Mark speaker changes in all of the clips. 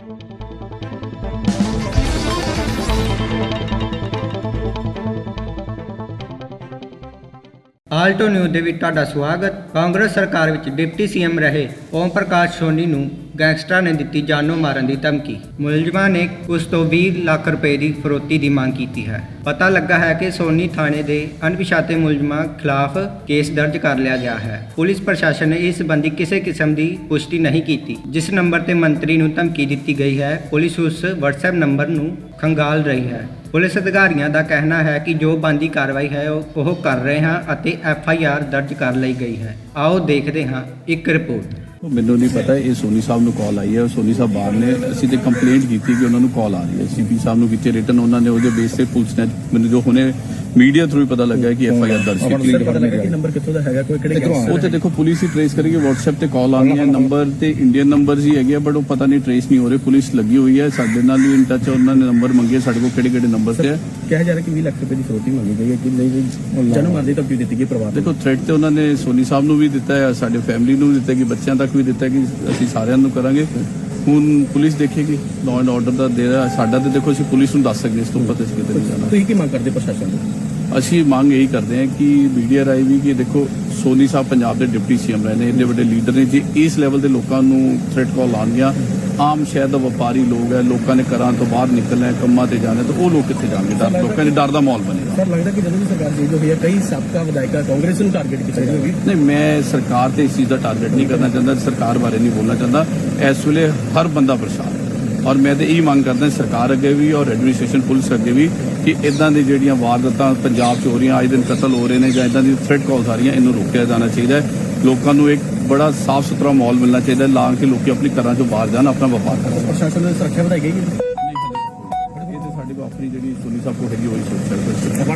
Speaker 1: Alto news ਦੇ ਵਿੱਚ ਤੁਹਾਡਾ ਸਵਾਗਤ। ਕਾਂਗਰਸ ਸਰਕਾਰ ਵਿੱਚ ਡਿਪਟੀ ਸੀਐਮ ਰਹੇ ਓਮ ਪ੍ਰਕਾਸ਼ ਸੋਨੀ ਨੂੰ ਗੈਂਗਸਟਰਾਂ ਨੇ ਦਿੱਤੀ ਜਾਨੋਂ ਮਾਰਨ ਦੀ ਧਮਕੀ। ਮੁਲਜ਼ਮਾਂ ਨੇ ਉਸ ਤੋਂ 20 ਲੱਖ ਰੁਪਏ ਦੀ ਫਰੋਤੀ ਦੀ ਮੰਗ ਕੀਤੀ ਹੈ। ਪਤਾ ਲੱਗਾ ਹੈ ਕਿ ਸੋਨੀ ਥਾਣੇ ਦੇ ਅਣਪਛਾਤੇ ਮੁਲਜ਼ਮਾਂ ਖਿਲਾਫ ਕੇਸ ਦਰਜ ਕਰ ਲਿਆ ਗਿਆ ਹੈ। ਪੁਲਿਸ ਪ੍ਰਸ਼ਾਸਨ ਨੇ ਇਸ ਸੰਬੰਧੀ ਕਿਸੇ ਕਿਸਮ ਦੀ ਪੁਸ਼ਟੀ ਨਹੀਂ ਕੀਤੀ। ਜਿਸ ਨੰਬਰ ਤੇ ਮੰਤਰੀ ਨੂੰ ਧਮਕੀ ਦਿੱਤੀ ਗਈ ਹੈ, ਪੁਲਿਸ ਉਸ WhatsApp ਨੰਬਰ ਨੂੰ ਖੰਗਾਲ ਰਹੀ ਹੈ। ਪੁਲਿਸ ਅਧਿਕਾਰੀਆਂ ਦਾ ਕਹਿਣਾ ਹੈ ਕਿ ਜੋ ਬਣਦੀ ਕਾਰਵਾਈ ਹੈ ਉਹ ਕਰ ਰਹੇ ਹਾਂ ਅਤੇ FIR ਦਰਜ ਕਰ ਲਈ ਗਈ ਹੈ। ਆਓ ਦੇਖਦੇ ਹਾਂ ਇੱਕ ਰਿਪੋਰਟ।
Speaker 2: ਮੈਨੂੰ ਨਹੀਂ ਪਤਾ, ਇਹ ਸੋਨੀ ਸਾਹਿਬ ਨੂੰ ਕਾਲ ਆਈ ਹੈ। ਸੋਨੀ ਸਾਹਿਬ ਬਾਹਰ ਨੇ, ਅਸੀਂ ਤੇ ਕੰਪਲੇਂਟ ਕੀਤੀ ਕਿ ਉਹਨਾਂ ਨੂੰ ਕਾਲ ਆ ਰਹੀ ਹੈ। CP ਸਾਹਿਬ ਨੂੰ ਕੀਤੀ ਰਿਟਨ, ਉਹਨਾਂ ਨੇ ਉਹਦੇ ਬੇਸ ਤੇ ਪੁਲਿਸ ਨੇ ਮੈਨੂੰ ਜੋ ਹੁਣੇ ਮੀਡੀਆ ਥਰੂ ਪਤਾ ਲੱਗਾ ਕਿ FIR ਦਰਜ ਕੀਤੀ ਹੈ।
Speaker 3: ਪਤਾ ਲੱਗਾ ਕਿ ਨੰਬਰ ਕਿੱਥੋਂ ਦਾ ਹੈਗਾ, ਕੋਈ ਕਿਹੜੇ
Speaker 2: ਉਹ ਤੇ ਦੇਖੋ ਪੁਲਿਸ ਹੀ ਟ੍ਰੇਸ ਕਰੇਗੀ। WhatsApp ਤੇ ਕਾਲ ਆਉਣੀ ਹੈ, ਨੰਬਰ ਤੇ ਇੰਡੀਅਨ ਨੰਬਰਸ ਹੀ ਹੈਗੇ, ਬਟ ਉਹ ਪਤਾ ਨਹੀਂ ਟ੍ਰੇਸ ਨਹੀਂ ਹੋ ਰਹੇ। ਪੁਲਿਸ ਲੱਗੀ ਹੋਈ ਹੈ, ਸਾਡੇ ਨਾਲ ਵੀ ਇਨ ਟੱਚ, ਉਹਨਾਂ ਨੇ ਨੰਬਰ ਮੰਗੇ ਸਾਡੇ ਕੋਲ, ਕਿਹੜੇ ਕਿਹੜੇ ਨੰਬਰ ਤੇ ਹੈ।
Speaker 3: ਕਿਹਾ ਜਾ ਰਿਹਾ ਕਿ 20 ਲੱਖ ਰੁਪਏ ਦੀ ਫਰੋਤੀ ਮੰਗੀ ਗਈ ਹੈ ਕਿ ਨਹੀਂ, ਜਨਮ ਮਰਦੀ ਧਮਕੀ ਦਿੱਤੀ ਗਈ ਪਰਿਵਾਰ ਨੂੰ।
Speaker 2: ਦੇਖੋ ਥ੍ਰੈਟ ਤੇ ਉਹਨਾਂ ਨੇ ਸੋਨੀ ਸਾਹਿਬ ਨੂੰ ਵੀ ਦਿੱਤਾ ਹੈ, ਸਾਡੇ ਫੈਮਿਲੀ ਨੂੰ ਵੀ ਦਿੱਤਾ, ਕਿ ਬੱਚਿਆਂ ਤੱਕ ਵੀ ਦਿੱਤਾ ਕਿ ਅਸੀਂ ਸਾਰਿਆਂ ਨੂੰ ਕਰਾਂਗੇ। ਹੁਣ ਪੁਲਿਸ ਦੇਖੇਗੀ, ਲਾਅ ਐਂਡ ਆਰਡਰ ਦਾ ਦੇ ਰਿਹਾ ਸਾਡਾ, ਤੇ ਦੇਖੋ ਅਸੀਂ ਪੁਲਿਸ ਨੂੰ ਦੱਸ ਸਕਦੇ, ਇਸ ਤੋਂ ਪਤਾ ਕਿਤੇ ਨਹੀਂ ਜਾਣਾ।
Speaker 3: ਤੁਸੀਂ ਕੀ ਮੰਗ ਕਰਦੇ ਪ੍ਰਸ਼ਾਸਨ ਤੋਂ?
Speaker 2: ਅਸੀਂ ਮੰਗ ਇਹੀ ਕਰਦੇ ਹਾਂ ਕਿ ਮੀਡੀਆ ਰਾਹੀਂ ਵੀ ਕਿ ਦੇਖੋ ਸੋਨੀ ਸਾਹਿਬ ਪੰਜਾਬ ਦੇ ਡਿਪਟੀ ਸੀਐਮ ਰਹੇ ਨੇ, ਇੰਨੇ ਵੱਡੇ ਲੀਡਰ ਨੇ, ਜੇ ਇਸ ਲੈਵਲ ਦੇ ਲੋਕਾਂ ਨੂੰ ਥ੍ਰੈਟ ਕਾਲ ਆਉਣਗੀਆਂ, ਆਮ ਸ਼ਹਿਰ ਦਾ ਵਪਾਰੀ ਲੋਕ ਹੈ, ਲੋਕਾਂ ਨੇ ਘਰਾਂ ਤੋਂ ਬਾਹਰ ਨਿਕਲਣਾ ਹੈ, ਕੰਮਾਂ ਤੇ ਜਾਣਾ, ਤਾਂ ਉਹ ਲੋਕ ਕਿੱਥੇ ਜਾਣਗੇ? ਲੋਕਾਂ ਦੇ ਡਰ ਦਾ ਮਾਹੌਲ ਬਣੇਗਾ।
Speaker 3: ਸਰ ਲੱਗਦਾ ਕਿ ਜਦੋਂ ਵੀ ਸਰਕਾਰ ਚੇਂਜ ਹੋਈ ਹੈ, ਕਈ ਸਾਬਕਾ ਵਿਧਾਇਕਾਂ ਕਾਂਗਰਸ ਨੂੰ ਟਾਰਗੇਟ ਕੀਤਾ ਜਾ ਰਿਹਾ।
Speaker 2: ਨਹੀਂ, ਮੈਂ ਸਰਕਾਰ ਤੇ ਇਸ ਚੀਜ਼ ਦਾ ਟਾਰਗੇਟ ਨਹੀਂ ਕਰਨਾ ਚਾਹੁੰਦਾ, ਸਰਕਾਰ ਬਾਰੇ ਨਹੀਂ ਬੋਲਣਾ ਚਾਹੁੰਦਾ। ਇਸ ਵੇਲੇ ਹਰ ਬੰਦਾ ਪਰੇਸ਼ਾਨ ਹੈ ਔਰ ਮੈਂ ਤਾਂ ਇਹੀ ਮੰਗ ਕਰਦਾ ਸਰਕਾਰ ਅੱਗੇ ਵੀ ਔਰ ਐਡਮਿਨਿਸਟ੍ਰੇਸ਼ਨ ਪੁਲਿਸ ਅੱਗੇ ਵੀ ਕਿ ਇਦਾਂ ਦੀ ਜਿਹੜੀਆਂ ਵਾਰਦਾਤਾਂ ਪੰਜਾਬ 'ਚ ਹੋ ਰਹੀਆਂ, ਆਏ ਦਿਨ ਕਤਲ ਹੋ ਰਹੇ ਨੇ ਜਾਂ ਇਦਾਂ ਦੀ ਥ੍ਰੈਟ ਕਾਲਸ ਆ ਰਹੀਆਂ, ਇਹਨੂੰ ਰੋਕਿਆ ਜਾਣਾ ਚਾਹੀਦਾ ਹੈ। ਲੋਕਾਂ ਨੂੰ ਇੱਕ ਬੜਾ ਸਾਫ਼ ਸੁਥਰਾ ਮਾਹੌਲ ਮਿਲਣਾ ਚਾਹੀਦਾ, ਲਾ ਕੇ ਲੋਕੀ ਆਪਣੀ ਘਰਾਂ 'ਚੋਂ ਬਾਹਰ ਜਾਣ, ਆਪਣਾ ਵਪਾਰ ਕਰਨ।
Speaker 3: ਪ੍ਰਸ਼ਾਸਨ ਦੀ ਸੁਰੱਖਿਆ ਵਧਾਈ ਗਈ ਹੈ।
Speaker 2: ਇਹ ਤਾਂ ਸਾਡੇ ਕੋਲ ਆਪਣੀ ਜਿਹੜੀ ਸੋਨੀ ਸਾਹਿਬ ਕੋਲ ਹੈਗੀ ਉਹੀ ਸੁਰੱਖਿਆ।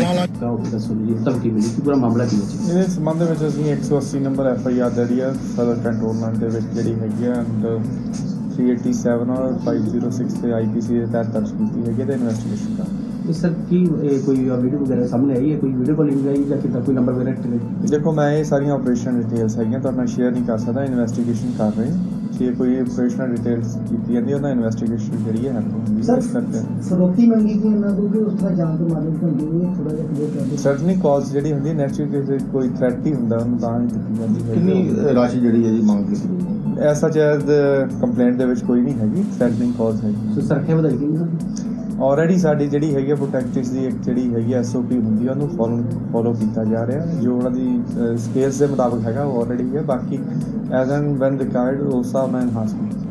Speaker 4: ਇਹਦੇ ਸੰਬੰਧ ਵਿੱਚ ਅਸੀਂ 180 ਨੰਬਰ FIR ਜਿਹੜੀ ਆ ਸਦਰ ਕੰਟਰੋਲਮੈਂਟ ਦੇ ਵਿੱਚ ਜਿਹੜੀ ਹੈਗੀ ਆ ਐਂਡ 387 ਔਰ 506 ਤੇ IPC ਦੇ ਤਹਿਤ ਦਰਜ ਕੀਤੀ ਹੈਗੀ ਤੇ ਇਨਵੈਸਟੀਗੇਸ਼ਨ ਕਰ ਰਹੇ।
Speaker 3: ਸਰ ਕੀ ਕੋਈ ਵੀਡੀਓ ਵਗੈਰਾ ਸਾਹਮਣੇ ਆਈ ਹੈ, ਕੋਈ ਵੀਡੀਓ ਕਾਲਿੰਗ ਆਈ ਜਾਂ ਕਿੱਦਾਂ ਕੋਈ ਨੰਬਰ ਵਗੈਰਾ?
Speaker 4: ਦੇਖੋ ਮੈਂ ਇਹ ਸਾਰੀਆਂ ਆਪਰੇਸ਼ਨ ਡਿਟੇਲਸ ਹੈਗੀਆਂ ਤੁਹਾਡੇ ਨਾਲ ਸ਼ੇਅਰ ਨਹੀਂ ਕਰ ਸਕਦਾ, ਇਨਵੈਸਟੀਗੇਸ਼ਨ ਕਰ ਰਹੇ। ਜੇ ਕੋਈ ਆਪਰੇਸ਼ਨਲ ਡਿਟੇਲਸ ਕੀਤੀ ਜਾਂਦੀ ਉਹਨਾਂ ਇਨਵੈਸਟੀਗੇਸ਼ਨ ਜਿਹੜੀ ਹੈ ਹੁੰਦੀ ਹੈ। ਇਸ ਕਰਕੇ
Speaker 5: ਫਰੋਤੀ ਮੰਗੀ ਕਿ ਇਹਨਾਂ ਤੋਂ ਕਿ ਉਸ ਤਰ੍ਹਾਂ ਜਾਣ ਤੋਂ ਮਾਲੂਮ ਹੁੰਦੀ ਹੈ, ਥੋੜਾ ਜਿਹਾ ਕਲੀਅਰ ਕਰ ਦਿਓ।
Speaker 4: ਸਰਟਨਲੀ ਕਾਲਸ ਜਿਹੜੀ ਹੁੰਦੀ ਹੈ ਨੈਚੁਰਲੀ ਕੋਈ ਥ੍ਰੈਟ ਹੀ ਹੁੰਦਾ, ਉਹਨੂੰ ਤਾਂ ਹੀ ਦਿੱਤੀ ਜਾਂਦੀ ਹੈ।
Speaker 6: ਕਿੰਨੀ ਰਾਸ਼ੀ ਜਿਹੜੀ ਹੈ ਜੀ ਮੰਗ ਕੀਤੀ
Speaker 4: ਐਸਾ ਚਾਹਦ ਕੰਪਲੇਂਟ ਦੇ ਵਿੱਚ ਕੋਈ ਨਹੀਂ ਹੈਗੀ, ਥ੍ਰੈਟਨਿੰਗ ਕਾਲਸ ਹੈਗੀ।
Speaker 5: ਸੁਰੱਖਿਆ ਵਧਾਈ ਗਈ ਹੈ।
Speaker 4: ਆਲਰੇਡੀ ਸਾਡੀ ਜਿਹੜੀ ਹੈਗੀ ਪ੍ਰੋਟੈਕਟਿਵ ਦੀ ਇੱਕ ਜਿਹੜੀ ਹੈਗੀ SOP ਹੁੰਦੀ ਹੈ, ਉਹਨੂੰ ਫੋਲੋ ਕੀਤਾ ਜਾ ਰਿਹਾ। ਜੋ ਉਹਨਾਂ ਦੀ ਸਕੇਲਸ ਦੇ ਮੁਤਾਬਕ ਹੈਗਾ ਉਹ ਆਲਰੇਡੀ ਹੈ। ਬਾਕੀ ਐਜ਼ ਐਂਡ ਵੈਨ ਰਿਕਾਇਰਡ ਉਸ ਹਿਸਾਬ ਨਾਲ ਇਨਹਾਂਸਮੈਂਟ